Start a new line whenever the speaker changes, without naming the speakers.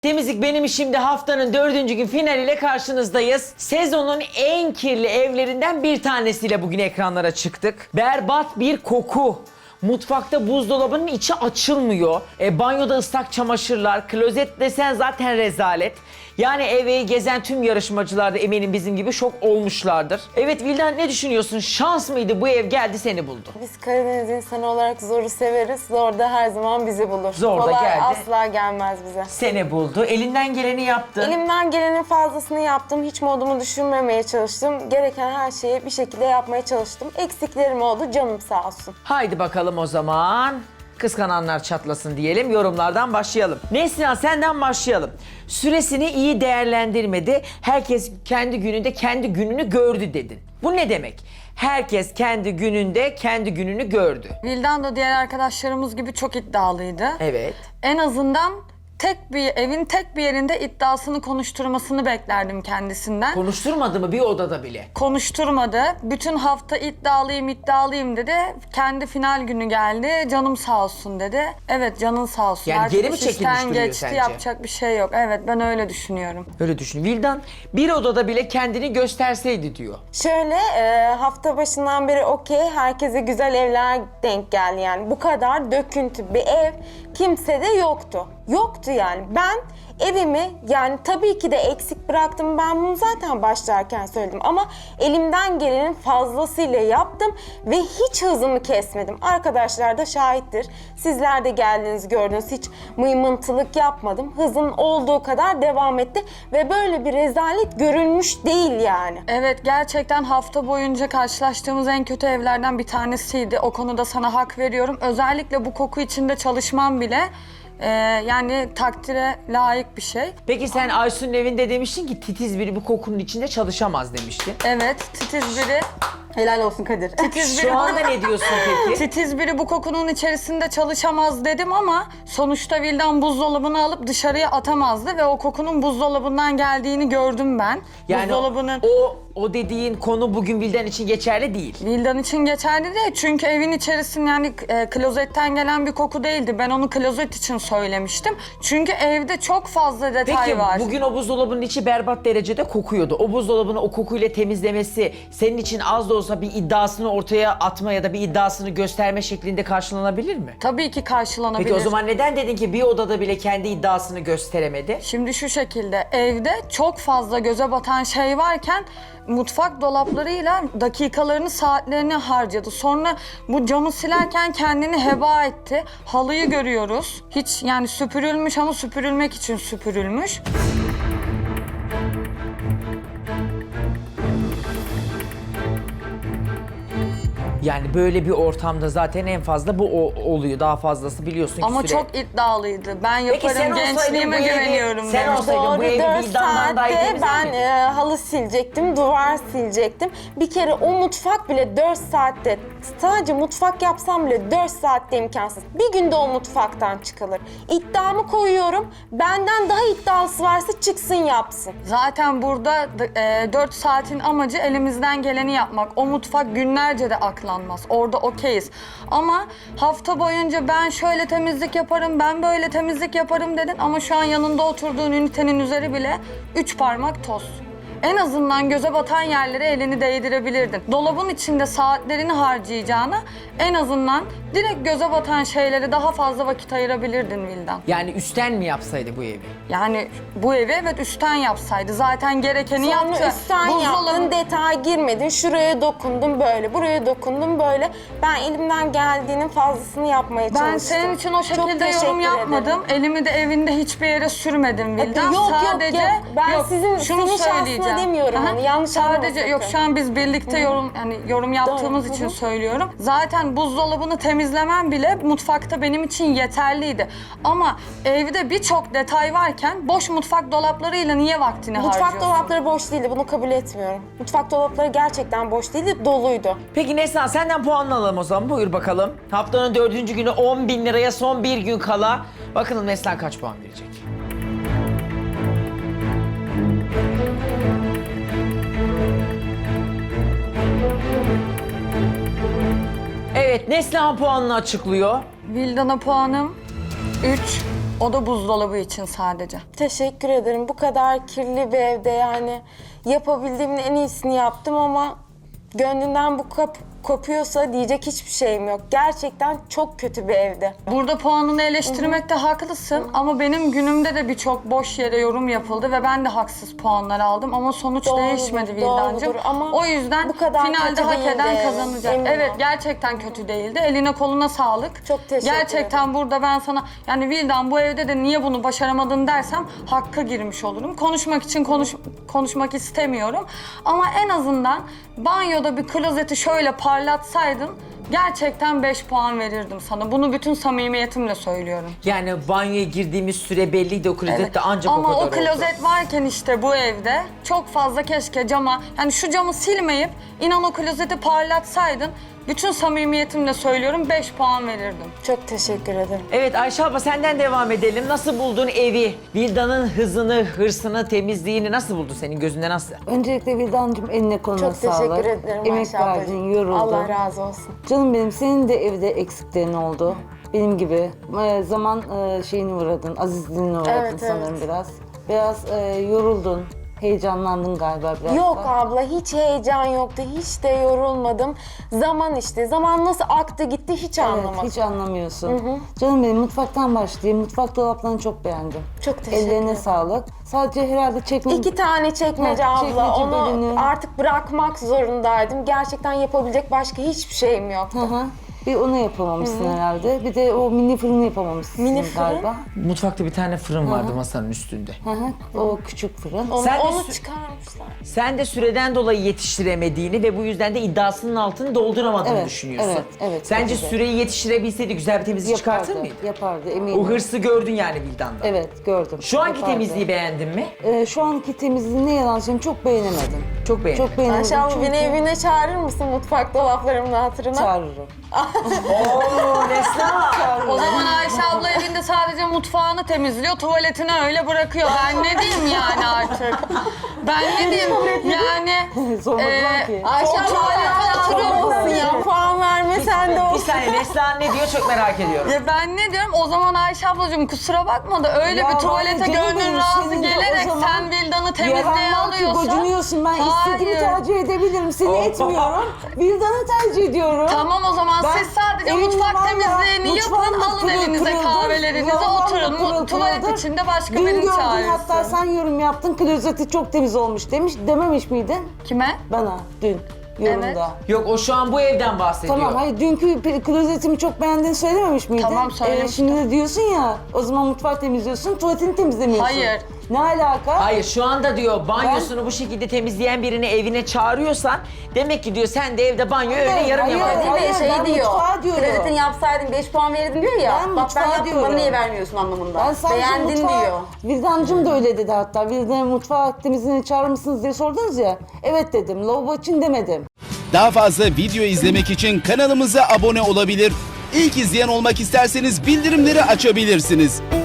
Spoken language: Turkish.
Temizlik benim işimde haftanın 4. gün finaliyle karşınızdayız. Sezonun en kirli evlerinden bir tanesiyle bugün ekranlara çıktık. Berbat bir koku. Mutfakta buzdolabının içi açılmıyor. Banyoda ıslak çamaşırlar, klozet desen zaten rezalet. Yani evi gezen tüm yarışmacılar da eminim bizim gibi şok olmuşlardır. Evet Vildan, ne düşünüyorsun? Şans mıydı bu ev geldi seni buldu?
Biz Karadeniz insanı olarak zoru severiz. Zor da her zaman bizi bulur.
Zor da
Kolay
geldi.
asla gelmez bize.
Seni buldu. Elinden geleni yaptın.
Elimden gelenin fazlasını yaptım. Hiç modumu düşürmemeye çalıştım. Gereken her şeyi bir şekilde yapmaya çalıştım. Eksiklerim oldu. Canım sağ olsun.
Haydi bakalım o zaman. Kıskananlar çatlasın diyelim. Yorumlardan başlayalım. Neslihan, senden başlayalım. Süresini iyi değerlendirmedi. Herkes kendi gününde kendi gününü gördü dedin. Bu ne demek? Herkes kendi gününde kendi gününü gördü.
Vildan da diğer arkadaşlarımız gibi çok iddialıydı.
Evet.
En azından evin tek bir yerinde iddiasını konuşturmasını beklerdim kendisinden.
Konuşturmadı mı bir odada bile?
Konuşturmadı. Bütün hafta iddialıyım dedi. Kendi final günü geldi. Canım sağ olsun dedi. Evet, canın sağ olsun.
Yani
Artık
geri mi
iş işten
çekilmiş duruyor
geçti,
sence?
yapacak bir şey yok. Evet, ben öyle düşünüyorum.
Öyle düşün. Vildan bir odada bile kendini gösterseydi diyor.
Şöyle hafta başından beri okey. Herkese güzel evler denk geldi yani. Bu kadar döküntü bir ev kimsede yoktu. Yoktu yani. Ben evimi yani tabii ki de eksik bıraktım. Ben bunu zaten başlarken söyledim ama elimden gelenin fazlasıyla yaptım ve hiç hızımı kesmedim. Arkadaşlar da şahittir. Sizler de geldiniz, gördünüz. Hiç mıymıntılık yapmadım. Hızım olduğu kadar devam etti ve böyle bir rezalet görülmüş değil yani.
Evet, gerçekten hafta boyunca karşılaştığımız en kötü evlerden bir tanesiydi. O konuda sana hak veriyorum. Özellikle bu koku içinde çalışmam bile yani takdire layık bir şey.
Peki sen Aysun'un evinde demiştin ki titiz biri bu kokunun içinde çalışamaz demiştin.
Evet, titiz biri.
Helal olsun Kadir.
Titiz biri
Şu anda ne diyorsun peki?
Titiz biri bu kokunun içerisinde çalışamaz dedim ama sonuçta Vildan buzdolabını alıp dışarıya atamazdı ve o kokunun buzdolabından geldiğini gördüm ben.
Yani
Buzdolabının
o dediğin konu bugün Vildan için geçerli değil.
Vildan için geçerli değil çünkü evin içerisinde yani klozetten gelen bir koku değildi. Ben onu klozet için söylemiştim. Çünkü evde çok fazla detay
Peki
var.
bugün o buzdolabının içi berbat derecede kokuyordu. O buzdolabını o kokuyla temizlemesi senin için az da olsa bir iddiasını ortaya atma ya da bir iddiasını gösterme şeklinde karşılanabilir mi?
Tabii ki karşılanabilir.
Peki o zaman neden dedin ki bir odada bile kendi iddiasını gösteremedi?
Şimdi şu şekilde evde çok fazla göze batan şey varken mutfak dolaplarıyla dakikalarını, saatlerini harcadı. Sonra bu camı silerken kendini heba etti. Halıyı görüyoruz. Hiç yani süpürülmüş ama süpürülmek için süpürülmüş.
Yani böyle bir ortamda zaten en fazla bu oluyor. Daha fazlası biliyorsun ki
Ama
süre.
çok iddialıydı. Ben
Peki sen
yaparım,
olsaydın
gençliğime
bu evi-
güveniyorum
sen
demiş.
olsaydın bu
Doğru,
evi
4
Vildan'dan daha iyi
saatte
temizler
ben
miydin?
halı silecektim, duvar silecektim. Bir kere o mutfak bile 4 saatte, sadece mutfak yapsam bile 4 saatte imkansız. Bir günde o mutfaktan çıkılır. İddiamı koyuyorum, benden daha iddialısı varsa çıksın yapsın.
Zaten burada 4 saatin amacı elimizden geleni yapmak. O mutfak günlerce de aklanmaz. Orada okeyiz. Ama hafta boyunca ben şöyle temizlik yaparım, ben böyle temizlik yaparım dedin ama şu an yanında oturduğun ünitenin üzeri bile 3 parmak toz. En azından göze batan yerlere elini değdirebilirdin. Dolabın içinde saatlerini harcayacağına en azından direkt göze batan şeylere daha fazla vakit ayırabilirdin Vildan.
Yani üstten mi yapsaydı bu evi?
Yani bu evi evet üstten yapsaydı. Zaten gerekeni
Sonra
yaptı.
üstten yaptın, detay girmedin, şuraya dokundum böyle, buraya dokundum böyle. Ben elimden geldiğinin fazlasını yapmaya çalıştım.
Ben senin için o
Çok
şekilde
teşekkür
yorum
ederim.
yapmadım. Elimi de evinde hiçbir yere sürmedim Vildan.
Yok,
Sadece
yok. Ben
yok,
senin
şunu
şahsına
söyleyeceğim.
demiyorum
Aha,
onu, yanlış
sadece
anlama
yok
sakın.
şu an biz birlikte yorum yaptığımız
Doğru,
için
hı.
söylüyorum. Zaten buzdolabını temizlemem bile mutfakta benim için yeterliydi. Ama evde birçok detay varken boş mutfak dolaplarıyla niye vaktini
Mutfak
harcıyorsun?
dolapları boş değildi, bunu kabul etmiyorum. Mutfak dolapları gerçekten boş değildi, doluydu.
Peki Neslihan, senden puan alalım o zaman. Buyur bakalım. Haftanın 4. günü 10.000 liraya son bir gün kala. Bakalım Neslihan kaç puan verecek? Evet, Neslihan puanını açıklıyor.
Vildan'a puanım 3. O da buzdolabı için sadece.
Teşekkür ederim. Bu kadar kirli bir evde yani yapabildiğimin en iyisini yaptım ama gönlünden bu kopuyorsa diyecek hiçbir şeyim yok. Gerçekten çok kötü bir evde.
Burada puanını eleştirmekte haklısın ama benim günümde de birçok boş yere yorum yapıldı ve ben de haksız puanlar aldım ama sonuç
Doğrudur,
değişmedi Vildancığım.
doğrudur ama
O yüzden
bu kadar
finalde
kötü
hak
değildi,
eden kazanacak.
eminim.
Evet, gerçekten kötü değildi. Eline koluna sağlık.
Çok teşekkür
Gerçekten burada ben sana yani Vildan bu evde de niye bunu başaramadın dersem hakka girmiş olurum. Konuşmak için konuşmak istemiyorum. Ama en azından banyoda bir klozeti şöyle parlatsaydın gerçekten 5 puan verirdim sana. Bunu bütün samimiyetimle söylüyorum.
Yani banyoya girdiğimiz süre belliydi, o klozet de ancak
Ama
o kadar
o klozet varken işte bu evde çok fazla keşke cama, yani şu camı silmeyip inan o klozeti parlatsaydın bütün samimiyetimle söylüyorum 5 puan verirdim.
Çok teşekkür ederim.
Evet Ayşe abla, senden devam edelim. Nasıl buldun evi? Vildan'ın hızını, hırsını, temizliğini nasıl buldun? Senin gözünde nasıl?
Öncelikle Vildancığım eline koluna
Çok
sağlık.
teşekkür ederim
Emek
Ayşe
verdin,
ablacığım.
yoruldun.
Allah razı olsun.
Canım benim, senin de evde eksiklerin oldu. Benim gibi. Zaman şeyini uğradın, azizliğine uğradın
Evet,
sanırım
evet.
biraz. Biraz yoruldun, heyecanlandın galiba biraz
Yok
da.
abla, hiç heyecan yoktu, hiç de yorulmadım. Zaman işte, zaman nasıl aktı gitti hiç
Evet,
anlamadım.
hiç anlamıyorsun. Canım benim, mutfaktan başlayayım. Mutfak dolaplarını çok beğendim.
Çok teşekkür
Ellerine
ederim.
sağlık. Sadece herhalde çekme...
2 tane çekmece
Ha,
abla,
çekmece
onu
bölümü.
artık bırakmak zorundaydım. Gerçekten yapabilecek başka hiçbir şeyim yoktu.
Hı hı. Bir onu yapamamışsın herhalde. Bir de o mini fırını yapamamışsın
Mini fırın?
galiba.
Mutfakta bir tane fırın vardı masanın üstünde.
Hı hı. O küçük fırın.
Onu,
Sen de
onu
sü-
çıkarmışlar.
Sen de süreden dolayı yetiştiremediğini ve bu yüzden de iddiasının altını dolduramadığını
Evet,
düşünüyorsun.
evet, evet,
Sence
tabii de.
süreyi yetiştirebilseydi güzel bir temizlik çıkartır mıydı?
Yapardı eminim.
O hırsı gördün yani Vildan'da.
Evet, gördüm.
Şu anki
Yapardı.
temizliği beğendin mi?
Şu anki temizliği ne yalan söyleyeyim çok beğenemedim.
Çok beğendim.
Çok beğenemedim
Ayşe abla
çünkü
beni evine çağırır mısın mutfak dolaplarımın hatırına?
çağırırım.
Oo Neslihan.
O zaman Ayşe abla evinde sadece mutfağını temizliyor, tuvaletini öyle bırakıyor. Ben ne diyeyim yani artık? Ben ne diyeyim? Yani
Sormadılar ki.
Ayşe
O
abla
tuvalete
hala
oturuyor
olmasın
musun
ya, puan verme sen de
Bir
o.
saniye, Neslihan ne diyor çok merak ediyorum.
ya ben ne diyorum? O zaman Ayşe ablacığım kusura bakma da öyle
Ya
bir
ben
tuvalete
canım
gönlün
benim,
razı
senin de o
gelerek
zaman
sen Vildan'ı temizliğe
Yaranlar ki
alıyorsan...
gocunuyorsun. Ben istediğimi
Hayır.
tercih edebilirim. Seni etmiyorum. Vildan'ı tercih ediyorum.
Tamam o zaman
Ben
siz sadece
evimde
mutfak
vallahi
temizliğini yapın,
mutfağım da
alın
pırıl
elinize
pırıldır.
kahvelerinize,
Lavabom da
oturun.
pırıl
Tuvalet
pırıldır.
içinde başka
Dün
birini
gördün,
çağırırsın.
hatta sen yorum yaptın. Klozeti çok temiz olmuş dememiş miydin?
Kime?
Bana dün yorumda.
Evet.
Yok, o şu an bu evden bahsediyor.
Tamam, hayır dünkü klozetimi çok beğendiğini söylememiş miydin?
Tamam, söylemiştim.
Şimdi de diyorsun ya, o zaman mutfak temizliyorsun, tuvaletini temizlemiyorsun.
Hayır.
Ne alaka?
Hayır, şu anda diyor banyosunu bu şekilde temizleyen birini evine çağırıyorsan demek ki diyor sen de evde banyo öyle yarım
hayır.
yamalısın.
Hayır,
Şey
ben
diyor.
mutfağa diyorum.
Klozetini yapsaydın 5 puan verirdin diyor ya.
Ben
Bak ben
mutfağa
yaptım bana
diyorum.
niye vermiyorsun anlamında.
Ben sadece
Beğendin
mutfağa,
diyor.
Vildancığım da öyle dedi hatta. Vildan'ı mutfağa temizliğini çağırır mısınız diye sordunuz ya. Evet dedim, lavabo için demedim.
Daha fazla video izlemek için kanalımıza abone olabilir. İlk izleyen olmak isterseniz bildirimleri açabilirsiniz.